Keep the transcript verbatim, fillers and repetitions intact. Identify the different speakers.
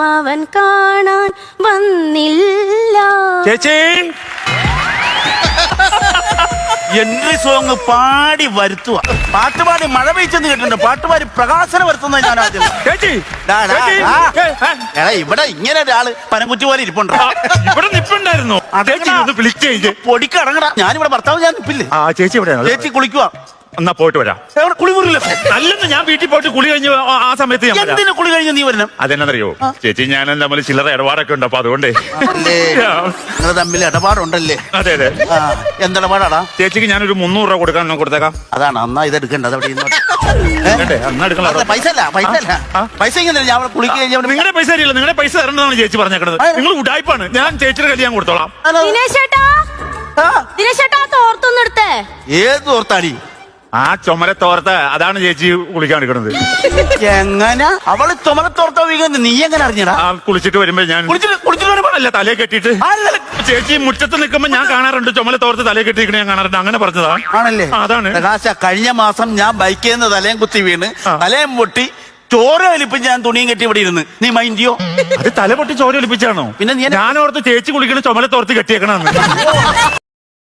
Speaker 1: അവൻ കാണാൻ വന്നില്ല.
Speaker 2: ചേച്ചി
Speaker 3: എൻട്രി സോങ് പാടി വരുത്തുക. പാട്ടുപാടി മഴ പെയ്ച്ചെന്ന് കേട്ടിട്ടുണ്ട്. പാട്ടുപാടി പ്രകാശനം വരുത്തുന്നത് ഞാൻ ആദ്യം.
Speaker 2: ചേച്ചി
Speaker 3: ഡാ, ഡാ,
Speaker 2: ചേച്ചി,
Speaker 3: ഡാ.
Speaker 2: ഏ, ഏ.
Speaker 3: എടാ ഇവിടെ ഇങ്ങനെ ഒരാള് പനംകുറ്റി പോലെ ഇരിപ്പുണ്ട്.
Speaker 2: ആ, ഇവിടെ നിപ്പുണ്ടായിരുന്നു. ചേച്ചി ഒന്ന് വിളിച്ച് കഴിഞ്ഞ്
Speaker 3: പൊടിക്കടങ്ങടാ. ഞാനിവിടെ ഭർത്താവ് ഞാൻ നിപ്പില്ലേ.
Speaker 2: ആ ചേച്ചി എവിടെയാണ്?
Speaker 3: ചേച്ചി കുളിക്കുക.
Speaker 2: എന്നാ പോയിട്ട് വരാം.
Speaker 3: എവിടെ കുളിമുറിയില്ല.
Speaker 2: അല്ലെന്ന് ഞാൻ വീട്ടിൽ പോയിട്ട് കുളി കഴിഞ്ഞ് ആ- ആ സമയത്ത് ഞാൻ വരാം.
Speaker 3: എന്തിനു കുളി കഴിഞ്ഞ് നീ വരണം?
Speaker 2: അതെന്നറിയോ ചേച്ചി ഞാനും തമ്മിൽ ചില്ലറ ഇടപാടൊക്കെ ഉണ്ട്, അപ്പൊ അതുകൊണ്ടേ.
Speaker 3: അല്ലേ നിങ്ങൾ തമ്മിൽ ഇടപാടുണ്ടല്ലേ?
Speaker 2: അതെ അതെ.
Speaker 3: ആ, എന്തിടപാടാടാ?
Speaker 2: ചേച്ചിക്ക് ഞാനൊരു മുന്നൂറ് രൂപ കൊടുക്കാൻ കൊടുത്തേക്കാം.
Speaker 3: അതാണ് അന്നാ ഇത് എടുക്കണ്ടത്. അവിടെ ഇരുന്നോട്ടെ.
Speaker 2: വേണ്ടേ? എന്നാ എടുക്കണം.
Speaker 3: അതെ, പൈസ അല്ല പൈസ അല്ല
Speaker 2: ആ?
Speaker 3: പൈസ ഇങ്ങനെ ഞാൻ അവിടെ കുളിക്ക് കഴിഞ്ഞ
Speaker 2: നിങ്ങളുടെ പൈസ അറിയില്ല, നിങ്ങളുടെ പൈസ തരേണ്ടതാണ് ചേച്ചി പറഞ്ഞേക്കണത്. നിങ്ങൾ ഉടായ്പാണ്. ഞാൻ ചേച്ചിയുടെ കല്യാണം കൊടുത്തോളാം.
Speaker 1: ദിനേശേട്ടാ, ദിനേശേട്ടാ തോർത്തൊന്നും എടുത്തേ.
Speaker 3: ഏത് ഓർത്താടി?
Speaker 2: ആ ചുമല തോർത്ത് അതാണ് ചേച്ചി കുളിക്കാൻ എടുക്കണത്.
Speaker 3: എങ്ങനെ അവള് ചുമലത്തോർത്തോ വീഴുന്നത് നീ എങ്ങനെ അറിഞ്ഞടാ?
Speaker 2: ആ കുളിച്ചിട്ട് വരുമ്പോ ഞാൻ
Speaker 3: കുളിച്ചിട്ട് കുളിച്ചിട്ട് വരുമ്പോ
Speaker 2: അല്ല തലയെ കെട്ടിയിട്ട്
Speaker 3: അല്ലല്ല.
Speaker 2: ചേച്ചി മുറ്റത്ത് നിൽക്കുമ്പോ ഞാൻ കാണാറുണ്ട് ചുമല തോർത്ത് തലയെ കെട്ടിയിരിക്കണ ഞാൻ കാണാറുണ്ട്. അങ്ങനെ പറഞ്ഞതാ.
Speaker 3: ആണല്ലേ?
Speaker 2: ആ, അതാണ്.
Speaker 3: പ്രകാശ കഴിഞ്ഞ മാസം ഞാൻ ബൈക്കിൽ നിന്ന് തലയും കുത്തി വീണ്
Speaker 2: ആ.
Speaker 3: തലയും പൊട്ടി ചോര വലിപ്പം ഞാൻ തുണിയും കെട്ടി ഇവിടെ ഇരുന്ന്. നീ മൈൻഡിയോ?
Speaker 2: അത് തല പൊട്ടി ചോര ഒലിപ്പിച്ചാണോ?
Speaker 3: പിന്നെ നീ എന്നെ-
Speaker 2: ഞാനോർത്ത് ചേച്ചി കുളിക്കണ ചുമല തോർത്ത് കെട്ടിയേക്കണെന്ന്.